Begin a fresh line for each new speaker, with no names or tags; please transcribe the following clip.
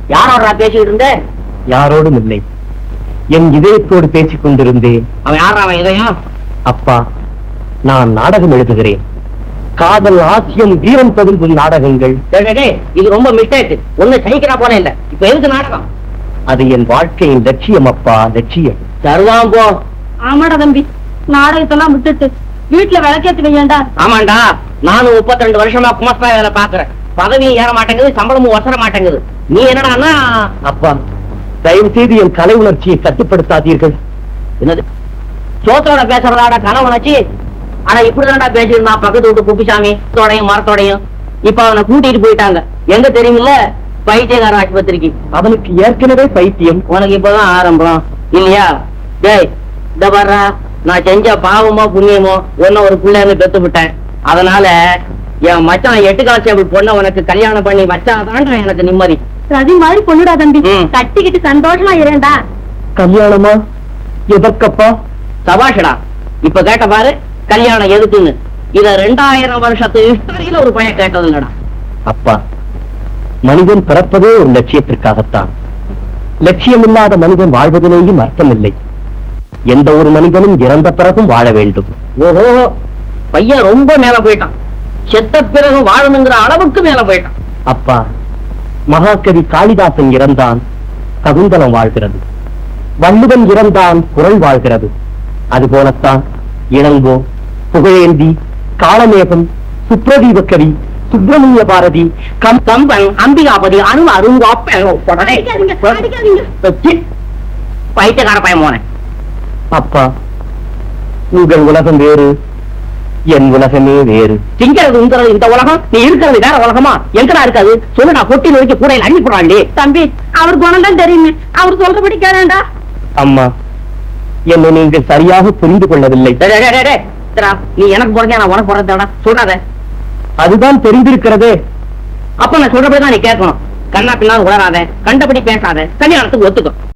யாரோட பேசிட்டு இருந்த?
யாரோடும் இல்லை, என் இதயத்தோடு பேசிக் கொண்டிருந்தேன்.
அவன் யாரா அவன் இதயம்?
அப்பா, நான் நாடகம் எழுதுகிறேன். காதல், ஆசியம், வீரம் ததும்பும் நாடகங்கள்.
இது ரொம்ப மிஸ்டேக். ஒண்ணு சகிக்கிறா போல இல்ல. இப்ப எதுக்கு நாடகம்?
அது என் வாழ்க்கையின் லட்சியம் அப்பா, லட்சியம்.
தருவான் போ.
ஆமாடா தம்பி, நாடகத்தெல்லாம் விட்டுட்டு வீட்டுல விளக்கேத்தி வையண்டா.
ஆமாண்டா, நானும் 32 வருஷமா குமஸ்தா வேலை பாக்குறேன். பதவியும் ஏற மாட்டேங்குது, சம்பளமும் வசர மாட்டேங்குது. நீ என்னடான்னா?
அப்பா, தயவு செய்து என் கலை உணர்ச்சியை கட்டுப்படுத்தாதீர்கள்.
என்னது சோத்தோட பேசுறதாட கனவுணர்ச்சி? ஆனா இப்படிதான்டா பேசிருந்தான் பக்கத்து வீட்டு குப்பிசாமி தோடையும் மரத்தோடையும். இப்ப அவனை கூட்டிட்டு போயிட்டாங்க. எங்க தெரியுமில்ல? பைத்தியகார ஆஸ்பத்திரிக்கு.
அவனுக்கு ஏற்கனவே பைத்தியம்.
உனக்கு இப்பதான் ஆரம்பம் இல்லையா? டேய், இந்த வர்றா, நான் செஞ்ச பாவமோ புண்ணியமோ ஒன்னும் ஒரு பிள்ளைன்னு பெத்து விட்டேன். அதனால என் மச்சான் 8 கான்ஸ்டேபிள் பொண்ணை உனக்கு கல்யாணம் பண்ணி வச்சாதான் எனக்கு நிம்மதி.
ரதி மாதிரி பொண்ணுடா தம்பி, கட்டிக்கிட்டு சந்தோஷமா இருண்டா.
கல்யாணமா? எதற்கப்பா?
சபாஷடா, இப்ப கேட்ட பாரு கல்யாணம் எதுக்குன்னு. இத 2000 வருஷத்து ஹிஸ்டரியில ஒரு பையன் கேட்டது இல்லடா.
அப்பா, மனிதன் பிறப்பதே ஒரு லட்சியத்திற்காகத்தான். லட்சியம் இல்லாத மனிதன் வாழ்வதிலேயும் அர்த்தமில்லை. எந்த ஒரு மனிதனும் இறந்த பிறகும் வாழ வேண்டும்.
ஓஹோ, பையன் ரொம்ப மேல போயிட்டான். செத்த பிறகு வாழணுங்கிற அளவுக்கு மேல போயிட்டான்.
அப்பா, மகாகவி காளிதாசன் இறந்தான், சகுந்தலம் வாழ்கிறது. வள்ளுவன் இறந்தான், குறள் வாழ்கிறது. அதுபோலத்தான் இளங்கோ, புகழேந்தி, காளமேகம், சுப்ரதீப கவி, சுப்பிரமணிய பாரதி,
கம்பன், அம்பிகாபதி, பைத்தியக்கார பையன் போனேன்.
அப்பா, உங்கள் உலகம் வேறு, என் உலகமே வேறு.
திங்கிறது உங்கிறது இந்த உலகம், நீ இருக்கிறது வேற உலகமா? எங்கடா இருக்காது சொல்லு. நான் கொட்டி நோக்கி கூடையில் அள்ளி போடாண்டி.
தம்பி, அவர் குணம் தான் தெரியுமே, அவர் சொல்றபடி கேளண்டா.
அம்மா, என்னை நீங்கள் சரியாக புரிந்து கொள்ளவில்லை.
நீ எனக்கு போறதே நான் உனக்கு போறதா சொல்லாத.
அதுதான் தெரிந்திருக்கிறதே.
அப்ப நான் சொல்றபடிதான் நீ கேட்கணும். கண்ணா பின்னா உளராத, கண்டபடி பேசாத, கல்யாணத்துக்கு ஒத்துக்கும்.